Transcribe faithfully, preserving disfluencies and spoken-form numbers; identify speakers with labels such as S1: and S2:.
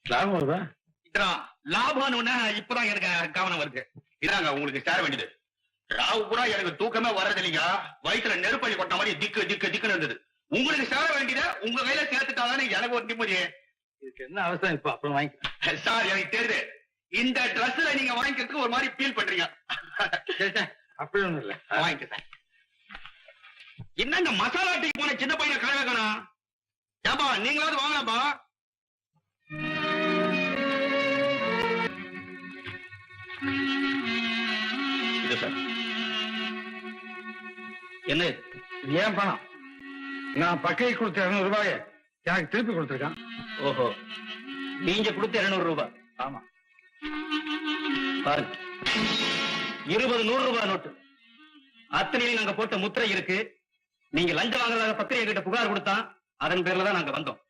S1: லாபம் வருதா?
S2: லாபம்னு இப்பதான் எனக்கு கவனம் வருது. இதாங்க உங்களுக்கு சேர வேண்டியது. ராவு பூரா எனக்கு தூக்கமே வர்றது இல்லைங்க. வயிற்றுல நெருப்பள்ளி கொட்ட மாதிரி திக்கு திக்கு திக்குன்னு இருந்தது. உங்களுக்கு சேர வேண்டியத உங்க கையில சேர்த்துட்டாதானே எனக்கு ஒரு நிம்மதி.
S1: இதுக்கு என்ன அவசரம் இப்ப? அப்புறம் வாங்கி
S2: சார் எனக்கு தெரியுது. இந்த ட்ரெஸ்ல நீங்க வாங்கிக்கிறதுக்கு ஒரு மாதிரி ஃபீல் பண்றீங்க.
S1: அப்படி ஒண்ணும் இல்ல,
S2: வாங்கிக்க சார். என்னங்க மசாலா டீக்கு போன சின்ன பையனை கழ வைக்கணும். ஏப்பா நீங்களாவது வாங்கலாம்ப்பா. இது சார். என்ன இது?
S1: ஏன் பணம்? நான் பக்கையை கொடுத்த இருநூறு ரூபாய எனக்கு திருப்பி கொடுத்துருக்கான்.
S2: ஓஹோ, நீங்க கொடுத்த இருநூறு ரூபாய்?
S1: ஆமா.
S2: பாருங்க, இருபது நூறு ரூபாய் நோட்டு. அத்தனையிலும் நாங்க போட்ட முத்திரை இருக்கு. நீங்க லஞ்சம் வாங்குறதாக பத்திரிகை கிட்ட புகார் கொடுத்தா அதன் பேர்ல தான் நாங்க வந்தோம்.